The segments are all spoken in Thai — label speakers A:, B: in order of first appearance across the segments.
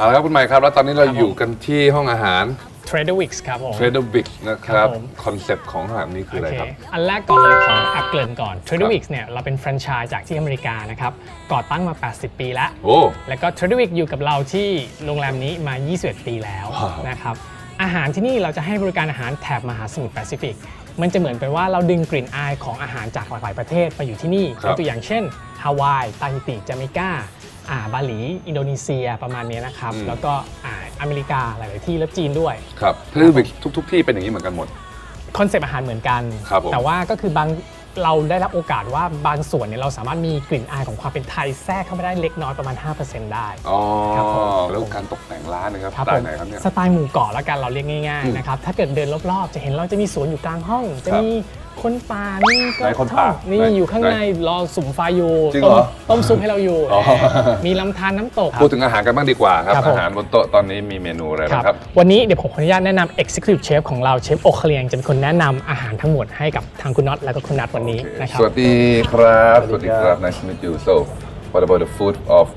A: เอาละครับคุณใหม่ครับแล้วตอนนี้เราอยู่กันที่ห้องอาหาร
B: Trader Vic's ครับผม
A: Trader Vic's นะครับ
B: ครับผม
A: คอนเซปต์ของอาหารนี้คืออะไรครับ
B: อันแรกก่อนเลยขออัปเกริ่นก่อน Trader Vic's เนี่ยเราเป็นแฟรนไชส์จากที่อเมริกานะครับก่อตั้งมา 80 ปีแล้ว
A: โอ้
B: แล้วก็ Trader Vic's อยู่กับเราที่โรงแรมนี้มา 21 ปีแล้ว
A: ว้าว
B: นะครับอาหารที่นี่เราจะให้บริการอาหารแถบมหาสมุทรแปซิฟิกมันจะเหมือนเป็นว่าเราดึงกลิ่นอายของอาหารจากหลากหลายประเทศมาอยู่ที่นี่ยกตัวอย่างเช่นฮาวายตาฮิติจาเมกาบาหลีอินโดนีเซียประมาณนี้นะครับแล้วก็อเมริกาหลายๆที่และจีนด้วย
A: ครับ Trader Vic's ทุกที่เป็นอย่างนี้เหมือนกันหมด
B: คอนเซปต์อาหารเหมือนกัน
A: ครับผม
B: แต่ว่าก็คือบางเราได้รับโอกาสว่าบางส่วนเนี่ยเราสามารถมีกลิ่นอายของความเป็นไทยแทรกเข้าไปได้เล็กน้อยประมาณ 5% ได้
A: อ๋อ
B: ครับผม
A: แล้วการตกแต่งร้านนะครับ
B: ครับ
A: สไต
B: ผม
A: ล์ไหนครับเนี่ย
B: สไตล์หมู่เกาะแล้วกันเราเรียกง่ายๆนะครับถ้าเกิดเดินรอบๆจะเห็นเราจะมีสวนอยู่กลางห้อง จะมีคนป่านี่ก็
A: ไหนคนป่า
B: นี่
A: ไหน
B: อยู่ข้างในรอสุ่มไฟอยู่
A: จริงเหรอ
B: ต้มซุปให้เราอยู่
A: อ๋อ
B: มีลำธารน้ำตก
A: พูดถึงอาหารกันบ้างดีกว่าครับ
B: ครับผม
A: อาหารบนโต๊ะตอนนี้มีเมนูอะไรบ้างครับ
B: วันนี้เดี๋ยวผมขออนุญาตแนะนำ Executive Chef ของเราเชฟโอเคเลียงจะเป็นคนแนะนำอาหารทั้งหมดให้กับทางคุณน็อตและก็คุณนัทวันนี้นะครับ
A: สวัสดีครับ สวัสดีครับ nice to meet you so what about the food of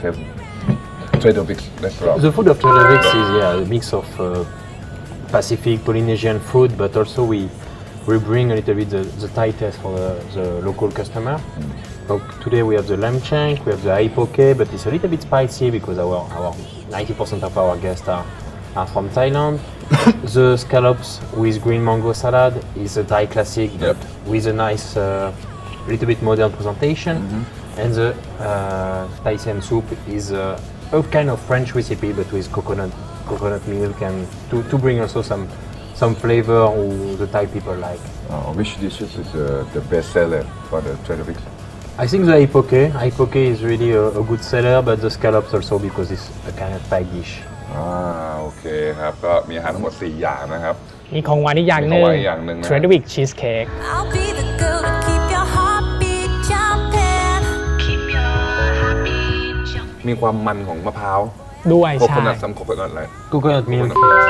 A: Trader Vic's restaurant
C: The food of Trader Vic's is a mix of Pacific Polynesian food, but also we bring a little bit the Thai taste for the local customer. So today we have the lamb shank, we have the aipoke, but it's a little bit spicy because our 90% of our guests are from Thailand. The scallops with green mango salad is a Thai classic, but with a nice, little bit modern presentation. And the Thai Siam soup is a kind of French recipe, but with coconut milk and to bring also some flavor who the Thai people like.
A: which dishes is the best seller for the Trader Vic's
C: I think the aipoke. Aipoke is really a good seller, but the scallops also because it's a kind of Thai dish.
A: โอเคครับก็มีอาหารทั้งหมด4อย่างนะครับ
B: มีของหวานอีกอย่างห
A: มี
B: นึ่
A: ของหวานอีกอย่างหนึ่งนะ
B: Trader Vic's Cheesecake
D: I'll be the girl to keep your heartbeat jumping. Keep your heartbeat jumping.
A: มีความมันของมะพร้าว
B: ด้วย
A: โค
B: ใช่
A: โคนัทซัมโคโคนัทอะไร
C: Coconut milk.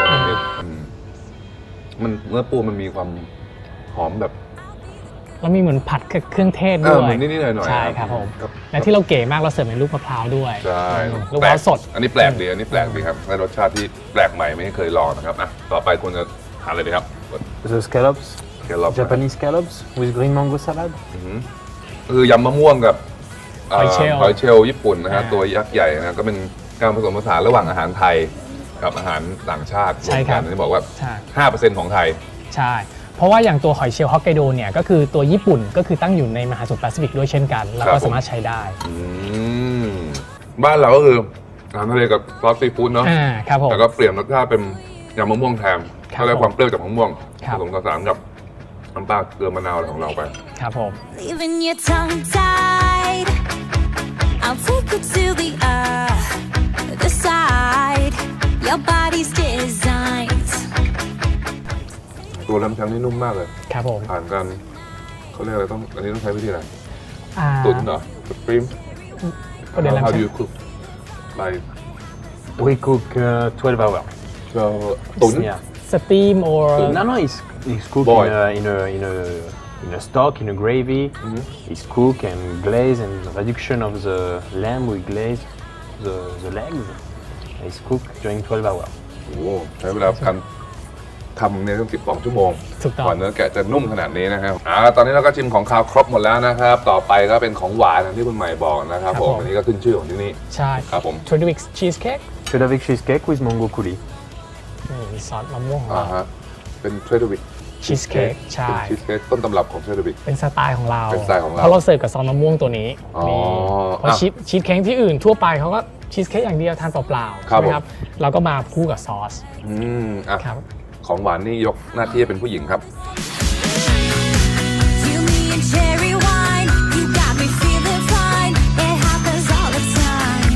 A: มันเนื้อปูมันมีความหอมแบบ
B: แล้วมีเหมือนผัดเครื่องเทศ
A: เอ
B: ด้
A: อ
B: วย
A: เหมือนนิดๆหน่อยๆ
B: ใช่ครับผม
A: ครับ
B: และที่เราเก๋มากเราเสิร์ฟเป็นลูกมะพร้าวด้วย
A: ใช่
B: ลูกมะพร้าวสด
A: อันนี้แปลกดีครับได้รสชาติที่แปลกใหม่ไม่เคยลองนะครับอ่ะต่อไปคุณจะทานอะไรดีครับ
C: The scallops,
A: แครอท
C: Japanese scallops with green mango salad.
A: คือยำมะม่วงกับ
B: หอยเชลล์
A: หอยเชลล์ญี่ปุ่นนะฮะ
B: อ่า
A: ตัวยักษ์ใหญ่นะก็เป็นการผสมผสานระหว่างอาหารไทยกับอาหารต่างชาติ
B: ใช่ครับ
A: วมกันที่บอกว่า
B: ใช่
A: 5% ของไทย
B: ใช่ เพราะว่าอย่างตัวหอยเชลล์ฮอกไกโดเนี่ยก็คือตัวญี่ปุ่นก็คือตั้งอยู่ในมหาสมุทรแปซิฟิกด้วยเช่นกัน แล้ว
A: ครั
B: ก็
A: บผม
B: สามารถใช้ได้
A: อืมบ้านเราก็คืออาหารทะเลกับซอสซีฟู้ดเนาะ
B: ครับผม
A: แต่ก็เปลี่ยนรสชาติเป็นยำมะม่วงแทน
B: ครับ
A: ก็ได้ความเปรี้ยวจากมะม่วง
B: ครั
A: ผ
B: บ
A: สมผสานกับน้ำปลาเกลือมะนาวอะไรของเราไป
B: ครับผม
D: Leaving your tongue tied. I'll take you to the side. Your body's designed.
A: ตัวลำชังนี่นุ่มมากเลย
B: ครับผม
A: ผ่านกันเขาเรียกอะไรอันนี้ต้องใช้วิธีอะไร
B: อ่า
A: ตุ๋นเหรอสตรีม
B: ก็เดี๋ยว
A: How
B: เรา
A: do you cook like
C: We cook 12 hours.
A: เราตุ๋น
C: Yeah.
B: สตรีม or
C: No, it's cooked
A: Boil.
C: in a stock, in a gravy. It's cooked and glazed, and reduction of the lamb we glaze the legs. It's cooked during 12 hours.
A: โอ้โหใช้เวลาการทำเนี่ยต้อง12 ชั่วโมง
B: ถูกต้อง
A: กว่าเนื้อแกะจะนุ่มขนาดนี้นะครับตอนนี้เราก็ชิมของคาวครบหมดแล้วนะครับ ต่อไปก็เป็นของหวานอย่างที่คุณใหม่บอกนะครับผมอันนี้ก็ขึ้นชื่อของที่นี่
B: ใช่
A: ครับผม
B: Trader Vic's Cheesecake
C: Trader Vic's cheesecake with mango coulis.
B: นี่มีซอสมะม่วงของเรา
A: ฮะเป็นเทรดเดอร์วิก
B: Cheesecake ใช่
A: เป็นชีสเค้กต้นตำรับของเทรดเดอร์วิก
B: เป็นสไตล์ของเรา
A: เป็นสไตล์ของเรา
B: เพราะเราเสิร์ฟกับซอสมะม่วงตัวนี้
A: อ๋อ
B: นี่เพราะ
A: อ่ะ
B: ชีสเค้กที่อื่นทั่วไปเขาก็ชีสเค้กอย่างเดียวทานเปล่าๆ
A: ครับ
B: ใช่ไหมครับเราก็มาคู่กับซอส ครับ
A: ของหวานนี่ยกหน้าที่ให้เป็นผู้หญิงครับ
D: Fill me in cherry wine. You got me feeling fine. It happens all the time.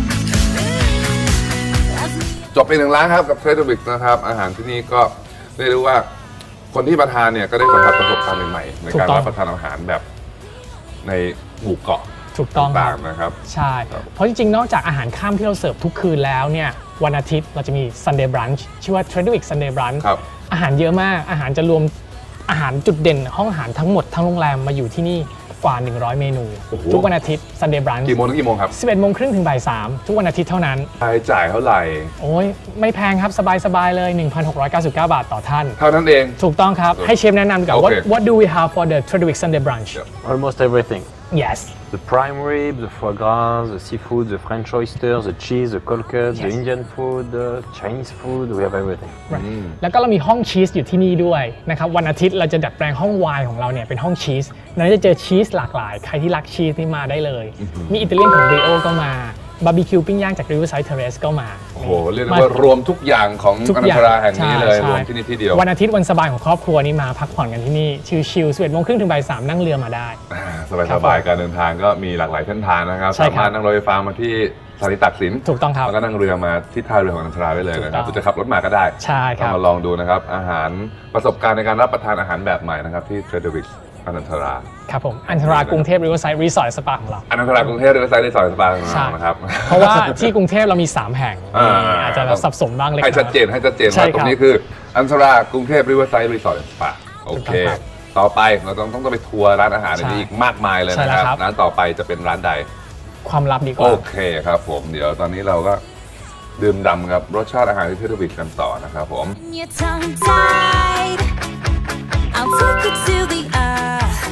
D: Love me.
A: จบไป1 ร้านครับกับเทรดเดอร์วิกนะครับอาหารที่นี่ก็เรียกได้ว่าคนที่มาทานเนี่ยก็ได้สัมผัสประสบการณ์ใหม่ๆในการรับประทานอาหารแบบในหมู่เกาะ
B: ถูกต้องค
A: ต่า
B: รั
A: ง
B: บ
A: ๆนะครับ
B: ใช่ เพราะจริงๆ นอกจากอาหารค่ำที่เราเสิร์ฟทุกคืนแล้วเนี่ยวันอาทิตย์เราจะมี Sunday Brunch ชื่อว่า Trader Vic's Sunday Brunch
A: ครับ
B: อาหารเยอะมากอาหารจะรวมอาหารจุดเด่นห้องอาหารทั้งหมดทั้งโรงแรมมาอยู่ที่นี่กว่า 100 เมนู
A: โอ้โห
B: ทุกวันอาทิตย์ Sunday Brunch
A: กี่โมงถึงกี่โมงครับ
B: 11 โมงครึ่งถึงบ่าย 3 ทุกวันอาทิตย์เท่านั้น
A: รายจ่ายเท่าไหร่
B: โอ้ยไม่แพงครับ สบาย ๆ เลย 1,699 บาทต่อท่าน
A: เท่านั้นเอง
B: ถูกต้องครับ ให้เชฟแนะนำดีกว่า
A: โอเค
B: what do we have for the Tradewick Sunday Brunch
C: Almost everything.
B: yes
C: The prime rib, the foie gras, the seafood, the French oysters, the cheese, the cold cuts, the
B: Yes.
C: Indian food, the Chinese food, we have everything.
B: แล้วก็เรามีห้องชีสอยู่ที่นี่ด้วยนะครับวันอาทิตย์เราจะดัดแปลงห้องไวน์ของเราเนี่ยเป็นห้องชีสเราจะเจอชีสหลากหลายใครที่รักชีสนี่มาได้เลย มีอิตาเลียนของบริโอก็มาบาร์บีคิวปิ้งย่างจาก Riverside Terrace ก็มา
A: โอ้โห เรียกได้ว่ารวมทุกอย่างของ
B: ทุก
A: อ
B: อ
A: นัน
B: ย่าง
A: ตราแห่งนี้เลย
B: ใช่
A: รวมที่นี่ที่เดียว
B: วันอาทิตย์วันสบายของครอบครัวนี่มาพักผ่อนกันที่นี่ชิลๆ11 โมงครึ่งถึงบ่าย 3 นั่งเรือมาได้
A: สบายๆการเดินทางก็มีหลากหลายเส้นทางนะครับ
B: ใช่
A: สา
B: ครับ
A: มารถนั่งรถไฟฟ้ามาที่สถานีตากสิน
B: ถูกต้องครับ
A: แล้วก็นั่งเรือมาที่ท่าเรือของอนันตราได้เลยนะครับ
B: ถู
A: ห
B: กต้อง
A: รือจะขับรถมาก็ได้
B: ใช่ครับ
A: ก็มาลองดูนะครับ อาหารประสบการณ์ในการรับประทานอาหารแบบใหม่นะครับที่เทรดวิกอนันตรา
B: ครับผมอันตรากรุงเทพ Riverside Resort Spa ของเรา
A: อนันตรากรุงเทพหรือไซต์ในซอยสปาของ
B: ใช่
A: เรานะครับ
B: เพราะว่าที่กรุงเทพเรามี 3 แห่ง อาจจะสับสนบ้างเล็กน้
A: ให้
B: อย
A: ชัดเจนว่า
B: ใช่ครับ
A: ตรงนี้คืออันตรากรุงเทพริเวอร์ไซด์รีสอร์ทสปาโอเค
B: ถูกต้องครับ
A: ต่อไปเราต้องไปทัวร์ร้านอาหารในนี้อีกมากมายเลย
B: ใช่
A: นะ
B: แล้ว
A: ครับ
B: ครับ
A: ร้านต่อไปจะเป็นร้านใด
B: ความลับดีก
A: โอ
B: ว่า
A: เคครับผมเดี๋ยวตอนนี้เราก็ดื่มด่ำกับรสชาติอาหารที่เทอร์วิกกันต่อนะครับผม
D: Your tongue tied. I'll take you to the earth.